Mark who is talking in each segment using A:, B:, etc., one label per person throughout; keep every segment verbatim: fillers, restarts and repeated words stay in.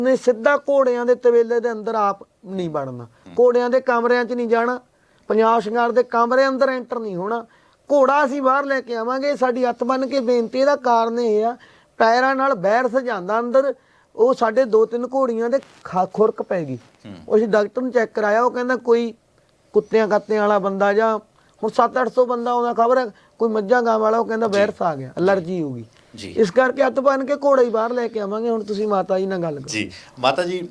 A: ਨੇ ਸਿੱਧਾ ਘੋੜਿਆਂ ਦੇ ਤਵੇਲੇ ਦੇ ਅੰਦਰ ਆਪ ਨਹੀਂ ਵੜਨਾ, ਘੋੜਿਆਂ ਦੇ ਕਮਰਿਆਂ 'ਚ ਨਹੀਂ ਜਾਣਾ, ਪੰਜਾਬ ਸ਼ਿੰਗਾਰ ਦੇ ਕਮਰੇ ਅੰਦਰ ਐਂਟਰ ਨਹੀਂ ਹੋਣਾ। ਘੋੜਾ ਅਸੀਂ ਬਾਹਰ ਲੈ ਕੇ ਆਵਾਂਗੇ। ਸਾਡੀ ਹੱਥ ਬੰਨ ਕੇ ਬੇਨਤੀ, ਇਹਦਾ ਕਾਰਨ ਇਹ ਆ ਪੈਰਾਂ ਨਾਲ ਬੈਰ ਸਜਾਉਂਦਾ ਅੰਦਰ, ਉਹ ਸਾਡੇ ਦੋ ਤਿੰਨ ਘੋੜੀਆਂ ਦੇ ਖਾ ਖੁਰਕ ਪੈ ਗਈ। ਉਹ ਅਸੀਂ ਡਾਕਟਰ ਨੂੰ ਚੈੱਕ ਕਰਾਇਆ, ਉਹ ਕਹਿੰਦਾ ਕੋਈ ਕੁੱਤਿਆਂ ਕਾਤਿਆਂ ਵਾਲਾ ਬੰਦਾ ਜਾਂ ਹੁਣ ਸੱਤ ਅੱਠ ਸੌ ਬੰਦਾ ਆਉਂਦਾ, ਖਬਰ ਹੈ ਕੋਈ ਮੱਝਾਂ ਗਾਂ ਵਾਲਾ, ਉਹ ਕਹਿੰਦਾ ਵਾਇਰਸ ਆ ਗਿਆ, ਅਲਰਜੀ ਹੋ ਗਈ। ਇਸ ਕਰਕੇ ਹੱਥ ਬੰਨ ਕੇ ਘੋੜਾ ਹੀ ਬਾਹਰ ਲੈ ਕੇ ਆਵਾਂਗੇ। ਹੁਣ ਤੁਸੀਂ ਮਾਤਾ ਜੀ ਨਾਲ ਗੱਲ ਕਰੋ
B: ਜੀ। ਮਾਤਾ ਜੀ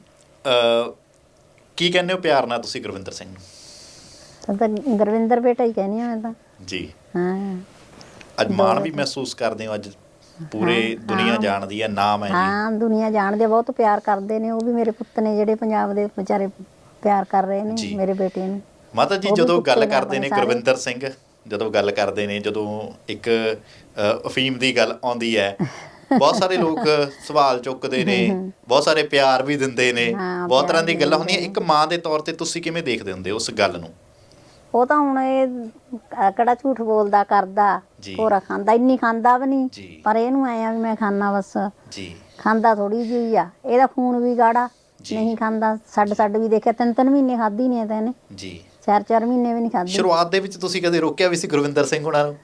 B: ਕੀ ਕਹਿੰਦੇ ਹੋ ਪਿਆਰ ਨਾਲ ਤੁਸੀਂ ਗੁਰਵਿੰਦਰ ਸਿੰਘ ਨੂੰ?
C: ਤਾਂ ਗੁਰਵਿੰਦਰ ਬੇਟਾ ਹੀ ਕਹਿੰਦੀ ਹਾਂ ਮੈਂ ਤਾਂ
B: ਜੀ।
C: ਹਾਂ,
B: ਅੱਜ ਮਾਣ ਵੀ ਮਹਿਸੂਸ ਕਰਦੇ ਹੋ? ਅੱਜ ਪੂਰੇ ਦੁਨੀਆ ਜਾਣਦੀ ਹੈ, ਨਾਮ ਹੈ ਜੀ।
C: ਹਾਂ, ਦੁਨੀਆ ਜਾਣਦੀ ਹੈ, ਬਹੁਤ ਪਿਆਰ ਕਰਦੇ ਨੇ। ਉਹ ਵੀ ਮੇਰੇ ਪੁੱਤ ਨੇ ਜਿਹੜੇ ਪੰਜਾਬ ਦੇ ਵਿਚਾਰੇ ਪਿਆਰ ਕਰ ਰਹੇ ਨੇ ਮੇਰੇ ਬੇਟੇ ਨੂੰ।
B: ਮਾਤਾ ਜੀ ਜਦੋਂ ਗੱਲ ਕਰਦੇ ਨੇ ਗੁਰਵਿੰਦਰ ਸਿੰਘ, ਜਦੋਂ ਗੱਲ ਕਰਦੇ ਨੇ, ਜਦੋਂ ਇੱਕ ਅਫੀਮ ਦੀ ਗੱਲ ਆਉਂਦੀ ਹੈ, ਬਹੁਤ ਸਾਰੇ ਲੋਕ ਸਵਾਲ ਚੁੱਕਦੇ ਨੇ, ਬਹੁਤ ਸਾਰੇ ਪਿਆਰ ਵੀ ਦਿੰਦੇ ਨੇ, ਬਹੁਤ ਤਰ੍ਹਾਂ ਦੀ ਗੱਲਾਂ ਹੁੰਦੀਆਂ। ਇੱਕ ਮਾਂ ਦੇ ਤੌਰ ਤੇ ਤੁਸੀਂ ਕਿਵੇਂ ਦੇਖਦੇ ਹੁੰਦੇ ਉਸ ਗੱਲ ਨੂੰ?
C: ਉਹ ਤਾਂ ਹੁਣ ਇਹ ਕਿਹੜਾ ਝੂਠ ਬੋਲਦਾ ਕਰਦਾ, ਹੋਰਾ ਖਾਂਦਾ, ਇੰਨੀ ਖਾਂਦਾ ਵੀ ਨਹੀਂ, ਪਰ ਇਹਨੂੰ ਐ ਆ ਵੀ ਮੈਂ ਖਾਣਾ ਬਸ। ਖਾਂਦਾ ਥੋੜੀ ਜਿਹੀ ਆ, ਇਹਦਾ ਖੂਨ ਵੀ ਗਾੜਾ, ਨਹੀਂ ਖਾਂਦਾ। ਛੱਡ ਛੱਡ ਵੀ ਦੇਖਿਆ, ਤਿੰਨ ਤਿੰਨ ਮਹੀਨੇ ਖਾਧੀ ਨਹੀਂ ਤਾਂ ਇਹਨੇ, ਚਾਰ ਚਾਰ ਮਹੀਨੇ ਵੀ ਨਹੀਂ ਖਾਧੀ।
B: ਸ਼ੁਰੂਆਤ ਦੇ ਵਿੱਚ ਤੁਸੀਂ ਕਦੇ ਰੋਕਿਆ ਵੀ ਸੀ ਗੁਰਵਿੰਦਰ ਸਿੰਘ ਹੋਣਾ ਨੂੰ?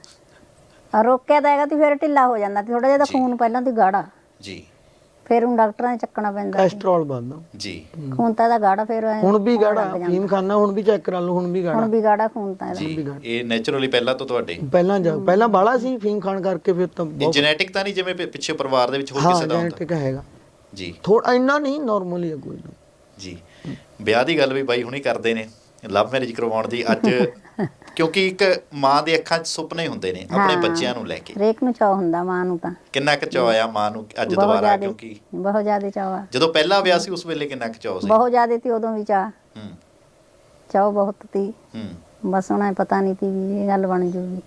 C: ਰੋਕਿਆ ਤਾਂ ਹੈਗਾ ਤੇ ਫਿਰ ਢਿੱਲਾ ਹੋ ਜਾਂਦਾ ਤੇ ਥੋੜਾ ਜਿਹਾ ਖੂਨ ਪਹਿਲਾਂ ਤੇ ਗਾੜਾ ਜੀ, ਫਿਰ ਹੁਣ ਡਾਕਟਰਾਂ ਨੇ ਚੱਕਣਾ ਪੈਂਦਾ,
A: ਕੋਲੇਸਟ੍ਰੋਲ ਵੱਧਦਾ ਜੀ,
C: ਖੂਨ ਤਾਂ ਇਹਦਾ ਗਾੜਾ। ਫਿਰ
A: ਹੁਣ ਵੀ ਗਾੜਾ, ਫੀਮ ਖਾਨਾ ਹੁਣ ਵੀ ਚੈੱਕ ਕਰਾ ਲਓ, ਹੁਣ ਵੀ ਗਾੜਾ,
C: ਹੁਣ ਵੀ ਗਾੜਾ ਖੂਨ ਤਾਂ ਇਹਦਾ
B: ਜੀ। ਇਹ ਨੇਚਰਲੀ ਪਹਿਲਾਂ ਤੋਂ ਤੁਹਾਡੇ
A: ਪਹਿਲਾਂ ਜਾ ਪਹਿਲਾਂ ਬਾਲਾ ਸੀ ਫੀਮ ਖਾਣ ਕਰਕੇ, ਫਿਰ ਤਾਂ
B: ਇਹ ਜੈਨੇਟਿਕ ਤਾਂ ਨਹੀਂ ਜਿਵੇਂ ਪਿੱਛੇ ਪਰਿਵਾਰ ਦੇ ਵਿੱਚ ਹੋਰ ਕਿਸੇ ਦਾ ਹੁੰਦਾ?
A: ਜੈਨੇਟਿਕ ਹੈਗਾ
B: ਜੀ,
A: ਥੋੜਾ ਇੰਨਾ ਨਹੀਂ, ਨਾਰਮਲੀ ਹੈ ਕੋਈ
B: ਜੀ। ਵਿਆਹ ਦੀ ਗੱਲ ਵੀ ਬਾਈ ਹੁਣੀ ਕਰਦੇ ਨੇ, ਲਵ ਮੈਰਿਜ ਕਰਵਾਉਣ ਦੀ। ਅੱਜ ਕਿਉਂਕਿ ਇੱਕ ਮਾਂ ਦੇ ਅੱਖਾਂ 'ਚ ਸੁਪਨੇ ਹੁੰਦੇ ਨੇ ਆਪਣੇ ਬੱਚਿਆਂ ਨੂੰ ਲੈ ਕੇ,
C: ਹਰੇਕ ਨੂੰ ਚਾਅ ਹੁੰਦਾ ਮਾਂ ਨੂੰ। ਤਾਂ ਕਿੰਨਾ
B: ਕੁ ਚਾਅ ਆ ਮਾਂ ਨੂੰ ਅੱਜ ਦੁਬਾਰਾ? ਕਿਉਂਕਿ
C: ਬਹੁਤ ਜ਼ਿਆਦਾ ਚਾਅ ਆ।
B: ਜਦੋਂ ਪਹਿਲਾ ਵਿਆਹ ਸੀ ਉਸ ਵੇਲੇ ਕਿੰਨਾ ਕੁ ਚਾਅ ਸੀ?
C: ਬਹੁਤ ਜ਼ਿਆਦਾ ਸੀ ਉਦੋਂ ਵੀ ਚਾਅ,
B: ਹੂੰ
C: ਚਾਅ ਬਹੁਤ ਸੀ।
B: ਹੂੰ
C: ਬਸ ਉਹਨਾਂ ਨੂੰ ਪਤਾ ਨਹੀਂ ਸੀ ਵੀ ਇਹ ਗੱਲ ਬਣ ਜੂਗੀ।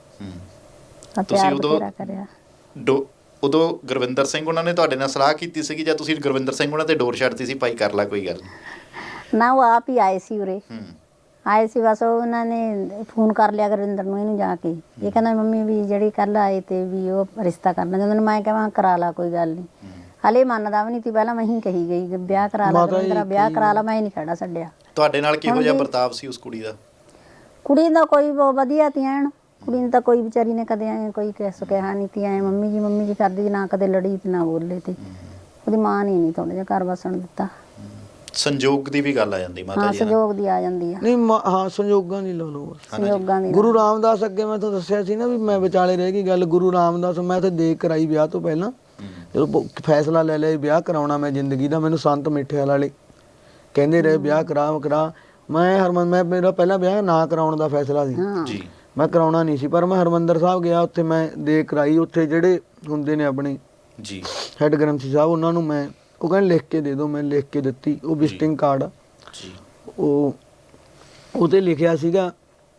B: ਹੂੰ ਤੁਸੀਂ ਉਦੋਂ ਕਰਿਆ ਉਦੋਂ ਗੁਰਵਿੰਦਰ ਸਿੰਘ ਉਹਨਾਂ ਨੇ ਤੁਹਾਡੇ ਨਾਲ ਸਲਾਹ ਕੀਤੀ ਸੀਗੀ ਜਾਂ ਤੁਸੀਂ ਗੁਰਵਿੰਦਰ ਸਿੰਘ ਉਹਨਾਂ ਤੇ ਡੋਰ ਛੱਡਤੀ ਸੀ, ਭਾਈ ਕਰ ਲੈ ਕੋਈ ਗੱਲ
C: ਨਾ? ਉਹ ਆਪ ਹੀ ਆਏ ਸੀ ਉਰੇ, ਆਏ ਸੀ ਬਸ। ਉਹਨਾਂ ਨੇ ਫੋਨ ਕਰ ਲਿਆ ਗੁਰਵਿੰਦਰ ਨੂੰ, ਇਹਨੂੰ ਜਾ ਕੇ। ਇਹ ਕਹਿੰਦਾ ਮੰਮੀ ਵੀ ਜਿਹੜੀ ਕੱਲ ਆਏ ਤੇ ਵੀ ਉਹ ਰਿਸ਼ਤਾ ਕਰਨਾ ਚਾਹੁੰਦੇ ਨੇ। ਮੈਂ ਕਹਾਂ ਕਰਾ ਲਾ, ਕੋਈ ਗੱਲ ਨਹੀਂ। ਹਲੇ ਮੰਨਦਾ ਵੀ ਨਹੀਂ ਸੀ ਪਹਿਲਾਂ, ਮੈਂ ਹੀ ਕਹੀ ਗਈ ਵਿਆਹ ਕਰਾ ਲਾ ਗੁਰਵਿੰਦਰ, ਵਿਆਹ ਕਰਾ ਲਾ, ਮੈਂ ਹੀ ਨਹੀਂ ਖੜਾ ਛੱਡਿਆ।
B: ਤੁਹਾਡੇ ਨਾਲ ਕਿਹੋ ਜਿਹਾ ਵਰਤਾਵ ਸੀ ਉਸ ਕੁੜੀ ਦਾ?
C: ਕੁੜੀ ਦਾ ਕੋਈ ਵਧੀਆ ਤੀ ਐਨ, ਕੁੜੀ ਨੂੰ ਤਾਂ ਕੋਈ ਵਿਚਾਰੀ ਨੇ ਕਦੇ ਐ ਕੋਈ ਕਿਸ ਕਿਹਾ ਨਹੀਂ ਤੀ ਐ ਮੰਮੀ ਜੀ ਮੰਮੀ ਜੀ ਕਰਦੀ, ਨਾ ਕਦੇ ਲੜੀ ਤੇ ਨਾ ਬੋਲੇ। ਤੇ ਉਹਦੀ ਮਾਂ ਨੇ ਨਹੀਂ ਥੋੜਾ ਜਿਹਾ ਘਰ ਵਸਣ ਦਿੱਤਾ।
B: ਸੰਜੋਗ ਦੀ ਵੀ ਗੱਲ ਆ ਜਾਂਦੀ ਮਾਤਾ ਜੀ?
C: ਹਾਂ, ਸੰਜੋਗ ਦੀ ਆ ਜਾਂਦੀ ਆ।
A: ਨਹੀਂ ਹਾਂ, ਸੰਜੋਗਾਂ ਦੀ ਲਾ ਲਓ,
C: ਸੰਜੋਗਾਂ ਦੀ।
A: ਗੁਰੂ ਰਾਮਦਾਸ ਅੱਗੇ ਮੈਂ ਤੁਹਾਨੂੰ ਦੱਸਿਆ ਸੀ ਨਾ ਵੀ ਮੈਂ ਵਿਚਾਲੇ ਰਹਿ ਗਈ ਗੱਲ। ਗੁਰੂ ਰਾਮਦਾਸ ਮੈਂ ਉੱਥੇ ਦੇਖ ਕਰਾਈ ਵਿਆਹ ਤੋਂ ਪਹਿਲਾਂ, ਜਦੋਂ ਫੈਸਲਾ ਲੈ ਲਿਆ ਵਿਆਹ ਕਰਾਉਣਾ ਮੈਂ ਜ਼ਿੰਦਗੀ ਦਾ, ਮੈਨੂੰ ਸੰਤ ਮਿੱਠੇ ਵਾਲੇ ਕਹਿੰਦੇ ਰਹੇ ਵਿਆਹ ਕਰਾ ਕਰਾ। ਮੈਂ ਹਰਮਨ ਮੈਂ ਮੇਰਾ ਪਹਿਲਾਂ ਵਿਆਹ ਨਾ ਕਰਾਉਣ ਦਾ ਫੈਸਲਾ ਸੀ, ਮੈਂ ਕਰਾਉਣਾ ਨਹੀਂ ਸੀ, ਪਰ ਮੈਂ ਹਰਿਮੰਦਰ ਸਾਹਿਬ ਗਿਆ, ਉੱਥੇ ਮੈਂ ਦੇਖ ਕਰਾਈ। ਉੱਥੇ ਜਿਹੜੇ ਹੁੰਦੇ ਨੇ ਆਪਣੇ ਜੀ ਹੈਡ ਗ੍ਰੰਥੀ ਸਾਹਿਬ, ਉਹਨਾਂ ਨੂੰ ਮੈਂ ਉਹ ਕਹਿੰਦੇ ਲਿਖ ਕੇ ਦੇ ਦਿਓ, ਮੈਂ ਲਿਖ ਕੇ ਦਿੱਤੀ। ਉਹ ਵਿਜ਼ਿਟਿੰਗ ਕਾਰਡ ਆ, ਉਹ ਉਹਤੇ ਲਿਖਿਆ ਸੀਗਾ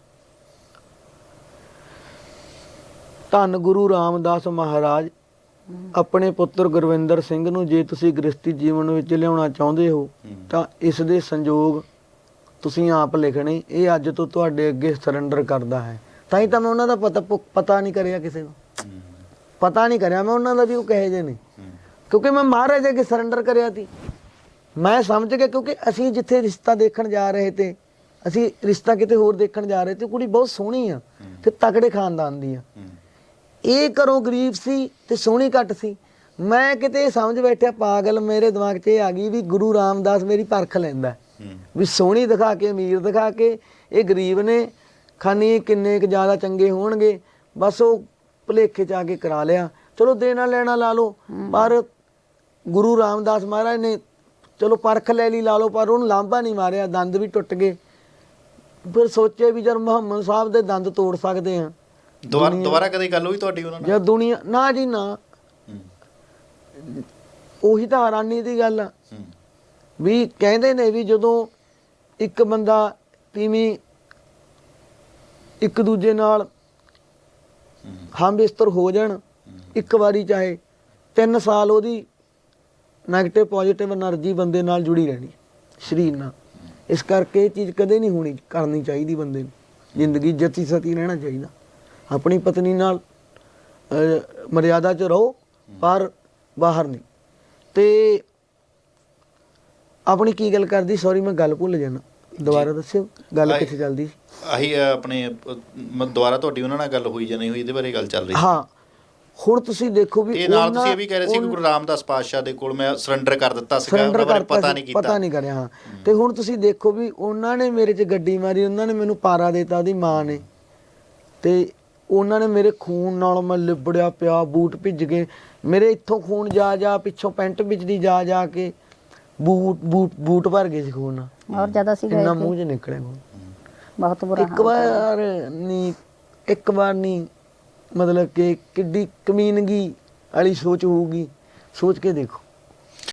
A: ਧੰਨ ਗੁਰੂ ਰਾਮਦਾਸ ਮਹਾਰਾਜ, ਆਪਣੇ ਪੁੱਤਰ ਗੁਰਵਿੰਦਰ ਸਿੰਘ ਨੂੰ ਜੇ ਤੁਸੀਂ ਗ੍ਰਸਤੀ ਜੀਵਨ ਵਿੱਚ ਲਿਆਉਣਾ ਚਾਹੁੰਦੇ ਹੋ ਤਾਂ ਇਸ ਦੇ ਸੰਜੋਗ ਤੁਸੀਂ ਆਪ ਲਿਖਣੇ। ਇਹ ਅੱਜ ਤੋਂ ਤੁਹਾਡੇ ਅੱਗੇ ਸਰੈਂਡਰ ਕਰਦਾ ਹੈ। ਤਾਂ ਹੀ ਤਾਂ ਮੈਂ ਉਹਨਾਂ ਦਾ ਪਤਾ ਪਤਾ ਨਹੀਂ ਕਰਿਆ, ਕਿਸੇ ਨੂੰ ਪਤਾ ਨਹੀਂ ਕਰਿਆ ਮੈਂ ਉਹਨਾਂ ਦਾ ਵੀ ਉਹ ਕਹੇ ਜੇ ਨੇ, ਕਿਉਂਕਿ ਮੈਂ ਮਹਾਰਾਜ ਅੱਗੇ ਸਰੈਂਡਰ ਕਰਿਆ ਸੀ। ਮੈਂ ਸਮਝ ਗਿਆ, ਕਿਉਂਕਿ ਅਸੀਂ ਜਿੱਥੇ ਰਿਸ਼ਤਾ ਦੇਖਣ ਜਾ ਰਹੇ ਤੇ, ਅਸੀਂ ਰਿਸ਼ਤਾ ਕਿਤੇ ਹੋਰ ਦੇਖਣ ਜਾ ਰਹੇ ਤੇ, ਕੁੜੀ ਬਹੁਤ ਸੋਹਣੀ ਆ ਤੇ ਤਕੜੇ ਖਾਨਦਾਨ ਦੀ ਆ। ਇਹ ਘਰੋਂ ਗਰੀਬ ਸੀ ਤੇ ਸੋਹਣੀ ਘੱਟ ਸੀ। ਮੈਂ ਕਿਤੇ ਸਮਝ ਬੈਠਿਆ ਪਾਗਲ, ਮੇਰੇ ਦਿਮਾਗ 'ਚ ਇਹ ਆ ਗਈ ਵੀ ਗੁਰੂ ਰਾਮਦਾਸ ਮੇਰੀ ਪਰਖ ਲੈਂਦਾ ਵੀ ਸੋਹਣੀ ਦਿਖਾ ਕੇ, ਅਮੀਰ ਦਿਖਾ ਕੇ। ਇਹ ਗਰੀਬ ਨੇ, ਖਾਨੀ ਕਿੰਨੇ ਕੁ ਜ਼ਿਆਦਾ ਚੰਗੇ ਹੋਣਗੇ, ਬਸ ਉਹ ਭੁਲੇਖੇ 'ਚ ਆ ਕੇ ਕਰਾ ਲਿਆ। ਚਲੋ ਦੇਣਾ ਲੈਣਾ ਲਾ ਲਓ, ਪਰ ਗੁਰੂ ਰਾਮਦਾਸ ਮਹਾਰਾਜ ਨੇ ਚਲੋ ਪਰਖ ਲੈ ਲਈ ਲਾ ਲਓ, ਪਰ ਉਹਨੂੰ ਲਾਂਭਾ ਨਹੀਂ ਮਾਰਿਆ, ਦੰਦ ਵੀ ਟੁੱਟ ਗਏ। ਫਿਰ ਸੋਚਿਆ ਵੀ ਜਦ ਮੁਹੰਮਦ ਸਾਹਿਬ ਦੇ ਦੰਦ ਤੋੜ ਸਕਦੇ ਹਾਂ।
B: ਦੁਬਾਰਾ ਦੁਬਾਰਾ ਕਦੇ ਗੱਲ ਹੋਈ ਤੁਹਾਡੀ ਉਹਨਾਂ ਨਾਲ? ਜਦ
A: ਦੁਨੀਆ ਨਾ ਜੀ ਨਾ, ਉਹੀ ਤਾਂ ਹੈਰਾਨੀ ਦੀ ਗੱਲ ਆ ਵੀ ਕਹਿੰਦੇ ਨੇ ਵੀ ਜਦੋਂ ਇੱਕ ਬੰਦਾ ਤੀਵੀਂ ਇੱਕ ਦੂਜੇ ਨਾਲ ਹਮ ਬਿਸਤਰ ਹੋ ਜਾਣ ਇੱਕ ਵਾਰੀ, ਚਾਹੇ ਤਿੰਨ ਸਾਲ ਉਹਦੀ ਨੈਗੇਟਿਵ ਪੋਜ਼ੀਟਿਵ ਐਨਰਜੀ ਬੰਦੇ ਨਾਲ ਜੁੜੀ ਰਹਿਣੀ ਸਰੀਰ ਨਾਲ। ਇਸ ਕਰਕੇ ਇਹ ਚੀਜ਼ ਕਦੇ ਨਹੀਂ ਹੋਣੀ ਕਰਨੀ ਚਾਹੀਦੀ ਬੰਦੇ ਨੂੰ। ਜ਼ਿੰਦਗੀ ਜਤੀ ਸਤੀ ਰਹਿਣਾ ਚਾਹੀਦਾ। ਆਪਣੀ ਪਤਨੀ ਨਾਲ ਮਰਿਆਦਾ 'ਚ ਰਹੋ, ਪਰ ਬਾਹਰ ਨਹੀਂ। ਤੇ ਆਪਣੀ ਕੀ ਗੱਲ ਕਰਦੀ, ਸੌਰੀ ਮੈਂ ਗੱਲ ਭੁੱਲ ਜਾਣਾ, ਦੁਬਾਰਾ ਦੱਸਿਓ ਗੱਲ
B: ਆਏ-
A: ਕਿੱਥੇ ਚੱਲਦੀ ਸੀ।
B: ਆਹੀ ਅ, ਆਪਣੇ ਅ, ਮ- ਦੁਬਾਰਾ ਤੁਹਾਡੀ ਉਹਨਾਂ ਨਾਲ ਗੱਲ ਹੋਈ ਜਾਂ ਨਹੀਂ ਹੋਈ, ਇਹਦੇ ਬਾਰੇ ਗੱਲ ਚੱਲ ਰਹੀ ਸੀ।
A: ਹਾਂ ਹੁਣ ਤੁਸੀਂ ਦੇਖੋ ਵੀ
B: ਤੇ ਨਾਲ
A: ਉਹਨਾਂ-
B: ਤੁਸੀਂ ਇਹ ਵੀ ਕਹਿ ਰਹੇ ਸੀ ਕਿ
A: ਉਨ-
B: ਗੁਰੂ ਰਾਮਦਾਸ ਪਾਤਸ਼ਾਹ ਦੇ ਕੋਲ ਮੈਂ ਸਰੈਂਡਰ ਕਰ ਦਿੱਤਾ ਸੀਗਾ,
A: ਸਰੈਂਡਰ
B: ਉਹਨਾਂ ਬਾਰੇ
A: ਕਰਤਾ
B: ਪਤਾ
A: ਸੀ,
B: ਨਹੀਂ ਕੀਤਾ।
A: ਪਤਾ ਨਹੀਂ ਕਰਿਆ। ਹਾਂ ਤੇ ਹੁਣ ਤੁਸੀਂ ਦੇਖੋ ਵੀ ਉਹਨਾਂ ਨੇ ਮੇਰੇ 'ਚ ਗੱਡੀ ਮਾਰੀ, ਉਹਨਾਂ ਨੇ ਮੈਨੂੰ ਪਾਰਾ ਦੇਤਾ ਉਹਦੀ ਮਾਂ ਨੇ, ਤੇ ਉਹਨਾਂ ਨੇ ਮੇਰੇ ਖੂਨ ਨਾਲ ਮੈਂ ਲਿਬੜਿਆ ਪਿਆ, ਬੂਟ ਭਿੱਜ ਗਏ ਮੇਰੇ, ਇੱਥੋਂ ਖੂਨ ਜਾ ਜਾ ਪਿੱਛੋਂ ਪੈਂਟ ਵਿੱਚ ਦੀ ਜਾ ਜਾ ਕੇ ਬੂਟ ਬੂਟ ਬੂਟ ਭਰ ਗਏ ਸੀ ਖੂਨ ਨਾਲ,
C: ਔਰ ਜਦ ਅਸੀਂ ਗਏ
A: ਇੰਨਾ
C: ਥੇ
A: ਮੂੰਹ 'ਚ ਨਿਕਲਿਆ ਖੂਨ।
C: ਬਹੁਤ ਬੁਰਾ
A: ਇੱਕ
C: ਹਾਲ
A: ਵਾਰ ਨਹੀਂ ਇੱਕ ਵਾਰ ਨਹੀਂ ਮਤਲਬ ਕਿ ਕਿੱਡੀ ਕਮੀਨਗੀ ਵਾਲੀ ਸੋਚ ਹੋਊਗੀ, ਸੋਚ ਕੇ ਦੇਖੋ।